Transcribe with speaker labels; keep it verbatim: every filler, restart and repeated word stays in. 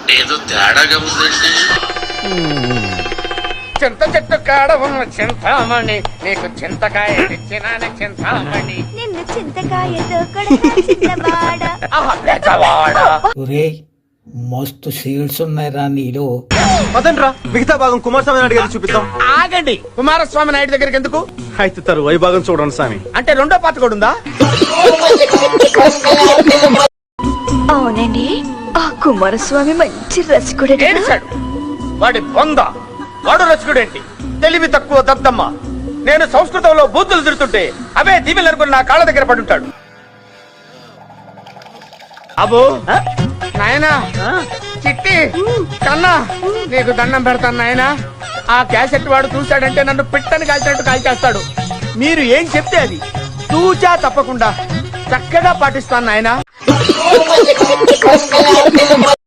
Speaker 1: ఏదో తేడాగా ఉందండి.
Speaker 2: చింత చెట్టు కాడ ఉన్న చింతామణి, నీకు చింతకాయ తెచ్చినాను చింతామణి.
Speaker 3: నిన్ను చింతకాయతో కొడతా చిన్నవాడ.
Speaker 2: ఆహా, పెద్దవాడ.
Speaker 4: ఒరేయ్ మస్తు సీడ్స్ ఉన్నాయిరా నీలో.
Speaker 5: పదండ్రా మిగతా భాగం కుమారస్వామి నాయుడు గారికి చూపిద్దాం.
Speaker 2: ఆగండి, కుమారస్వామి నాయుడు దగ్గరికి ఎందుకు?
Speaker 5: అయితే తరువాయి భాగం చూడండి స్వామి.
Speaker 2: అంటే రెండో పాత కూడా ఉందా?
Speaker 3: అవునండి, ఆ కుమారస్వామి మంచి రసికుడే.
Speaker 2: ఏడిచాడు వాడి బొంద. వాడు రచకుడేంటి? తెలివి తక్కువ దద్దమ్మ. నేను సంస్కృతంలో బూతులు తిరుతుంటే అవే దీవెలు అనుకుని నా కాళ్ళ దగ్గర పడుంటాడు. అబో నాయనా, చిట్టి కన్నా, నీకు దండం పెడతాను నాయనా. ఆ క్యాసెట్ వాడు చూశాడంటే నన్ను పిట్టని కాల్చినట్టు కాల్చేస్తాడు. మీరు ఏం చెప్తే అది తూచా తప్పకుండా చక్కగా పాటిస్తాను నాయనా.